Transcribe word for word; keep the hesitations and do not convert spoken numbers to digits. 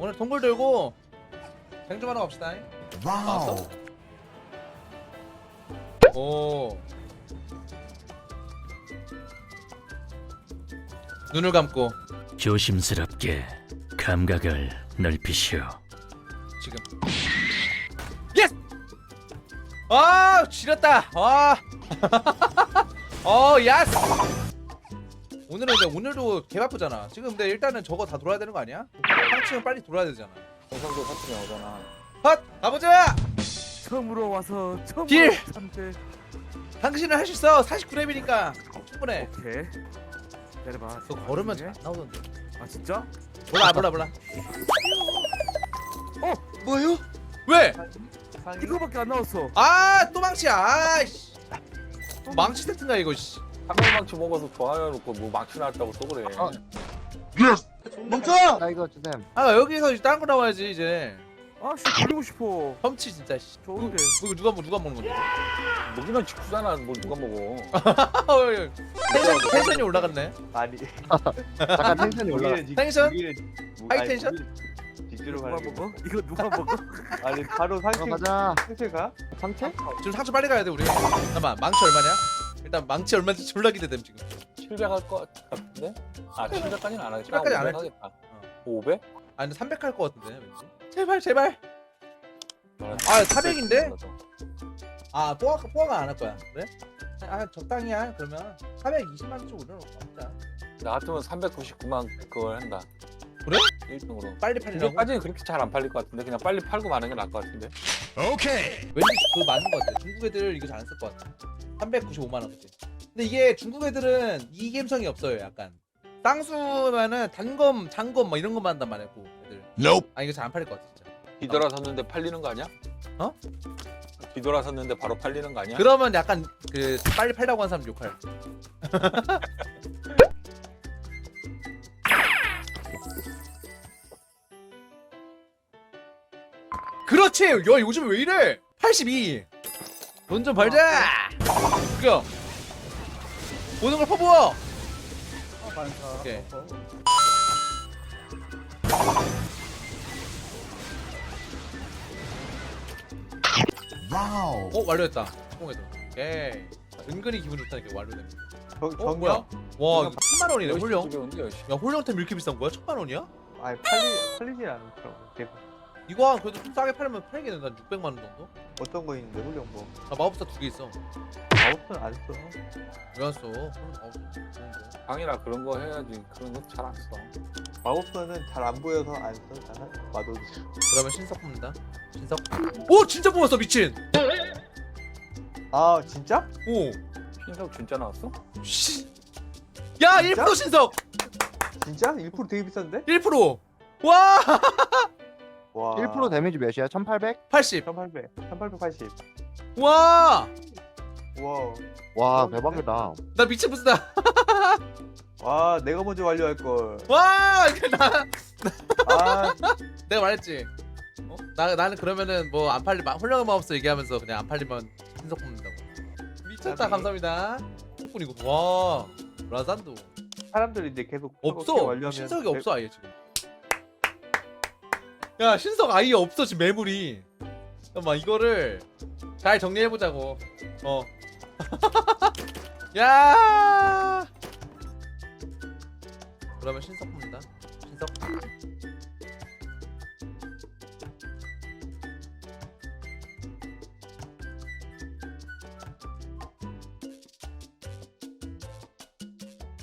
오늘 동굴 들고 쟁 좀 하러 갑시다. 와우. 오. 눈을 감고 조심스럽게 감각을 넓히시오. 지금. 예스! 아, 지렸다. 와. 어, 야스. 오늘은 근데 오늘도 개 바쁘잖아. 지금 근데 일단은 저거 다 돌아야 되는 거 아니야? 상층은 빨리 돌아야 되잖아. 정상도 사투리 나오잖아. 헛! 가보자! 처음으로 와서 처음으로 딜! 참들. 당신은 할 수 있어. 사십구 렙이니까 충분해. 오케이. 기다려봐. 그거 걸으면 잘 안 나오던데. 아 진짜? 몰라 몰라 몰라. 어? 뭐요? 왜? 이거밖에 안 나왔어. 아, 또 망치야. 아이씨. 망치 세트인가 이거 씨. 한명망치 먹어서 좋아해놓고 뭐 망치 나왔다고 또 그래. 아. 멈춰! 나 이거 주셈. 아, 여기서 다른 거 나와야지 이제. 아씨 돌리고 싶어. 험치 진짜 씨. 좋은데. 이거 누가 먹 누가 먹는 건데? 먹이면 직수잖아. 뭘 누가 먹어. 텐션, 텐션이 올라갔네. 아니. 잠깐 텐션이 올라. 텐션? 하이 하이 텐션? 직주로 누가 가는 먹어? 이거 누가 먹어? 아니 바로 상체 가자. 상체 가? 상체? 지금 상처 빨리 가야 돼 우리. 잠깐만, 망치 얼마냐? 일단 망치 얼마인지 졸라 기대됨 지금. 칠백 할 것 같은데? 아 칠백까지는 안 하겠다. 칠백까지 안 오백 할지. 하겠다. 오백? 아니 삼백 할 것 같은데 왠지. 제발 제발. 아, 사백인데? 아, 뽀아 뽀아가 안 할 거야. 그래? 아, 적당히야. 그러면 사백이십만 원 좀 올려놓고 하자. 나 같으면 삼백구십구만 그걸 한다. 그래? 일 등으로. 빨리 팔리라고? 중국까지는 그렇게 잘 안 팔릴 것 같은데 그냥 빨리 팔고 마는 게 나을 것 같은데. 오케이. 왠지 그거 맞는 것 같아. 중국 애들 이거 잘 안 쓸 것 같아. 삼백구십오만 원 그치? 근데 이게 중국 애들은 이 감성이 없어요. 약간 쌍수면은 단검, 장검 뭐 이런 것만 한단 말이야. 그 애들. Nope. 아, 이거 잘 안 팔릴 것 같아 진짜. 뒤돌아섰는데 팔리는 거 아니야? 어? 뒤돌아섰는데 바로 팔리는 거 아니야? 그러면 약간 그 빨리 팔라고 한 사람 욕할. 그렇지. 야, 요즘 왜 이래? 팔십이. 돈 좀 벌자. 그거. 모든 걸 퍼부어. 오케이. 와우. 어, 완료했다. 성공해도. 오케이. 은근히 기분 좋다니까 완료되면. 정 어, 정면? 뭐야? 와, 이거 천만 원이네. 홀령. 홀령. 야, 홀령템 이렇게 비싼 거야? 천만 원이야? 아니 팔리 팔리지 않더라고. 대박. 이거 한 그래도 좀 싸게 팔면 팔겠네. 난 육백만 원 정도? 어떤 거 있는데 훈련 뭐? 나 마법사 두 개 있어. 아웃은 안 써. 왜 안 써? 그럼 마법사 좋은 거. 방이라 그런 거 해야지. 그런 거 잘 안 써. 마법사는 잘 안 보여서 안 써. 나는 마도도. 그러면 신석 뽑는다. 신석. 오, 진짜 뽑았어. 미친. 아 진짜? 오. 신석 진짜 나왔어? 씨. 야, 일 퍼센트 신석. 진짜? 일 퍼센트 되게 비싼데? 일 퍼센트. 와. 와. 일 퍼센트 데미지 몇이야? 천팔백? 팔십. 천팔백. 천팔백팔십. 와. 와. 와, 대박이다. 나 미친 부스다. 와 내가 먼저 완료할 걸. 와. 이거 나 아 내가 말했지. 어? 나 나는 그러면은 뭐 안 팔리 홀령의 마법사 얘기하면서 그냥 안 팔리면 신석 뽑는다고. 미쳤다. 나비. 감사합니다. 뿐이고. 와. 라산도 사람들이 이제 계속 없어. 완료하면 신석이 없어 아예 지금. 야, 신석 아예 없어 지금 매물이. 잠깐만 이거를 잘 정리해 보자고. 어. 야. 그러면 신석 뽑는다. 신석.